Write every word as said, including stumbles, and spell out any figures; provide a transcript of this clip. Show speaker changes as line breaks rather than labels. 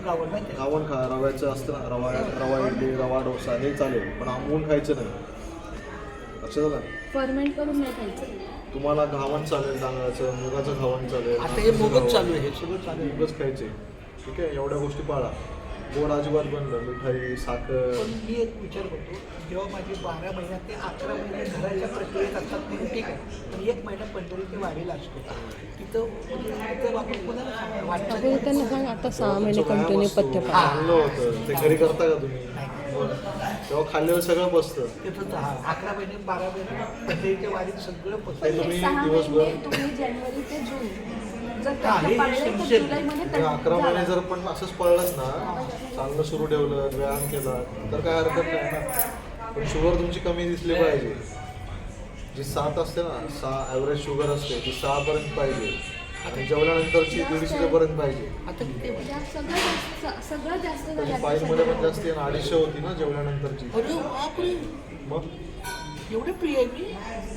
गावण माहिती आहे?
घावण खा, रव्याचं असतं ना, रवा रवा इडली, रवा डोसा हे चालेल, पण आंबवून खायचं नाही. लक्षात आलं?
फर्मेंट करून नाही खायचं.
तुम्हाला घावण चालेल, तांदळाचं, मुगाचं घावण चालेल.
आता हे मुगच चालू आहे, हे सगळं चालू आहे.
मुगच खायचे, ठीक आहे. एवढ्या गोष्टी पाळा. गोड अजिबात बंद, मिठाई, साखर.
पण मी एक विचार करतो, जेव्हा माझी बारा महिन्यात ते अकरा महिने घराच्या प्रक्रियेत असतात म्हणून ठीक आहे, पण एक महिना पंढरी ते वाढीला असतो तिथं म्हणजे तिथं आपण कोणाला सांगणार? वाटतं
आपण त्यांना सांग आता सहा महिने कंटिन्यू पथ्य पाळा.
चांगलं होतं ते. घरी करता का तुम्ही? तेव्हा खाल्ल्यावर सगळं बसतं.
तिथं अकरा महिने बारा महिने पंढरीच्या वाढीत सगळं
ते
पसरतं.
तुम्ही
सहा
दिवसभर-
महिने तुम्ही जानेवारी ते जून जर
हा, हे
पथ्य पाळले तर
समजेल.
जुलैमध्ये
म्हणजे अकरा
झालं.
महिने जर पण असंच पळलंच ना, चांगलं सुरू ठेवलं, व्यायाम केला तर काय हरकत नाही ना. पण शुगर तुमची कमी दिसली पाहिजे. जी सात असते ना, सहा ॲव्हरेज शुगर असते ती सहापर्यंत पाहिजे आणि जेवल्यानंतरची दीडशे पर्यंत पाहिजे.
आता किती आहे?
जास्त- सगळं जास्त सगळं जास्त झालं
त्याची
आता
फाईलमध्ये पण
सध्या.
जास्ती आहे ना, अडीचशे होती ना जेवल्यानंतरची.
अरे बापरे,
मग
एवढे प्रिय आहे मी.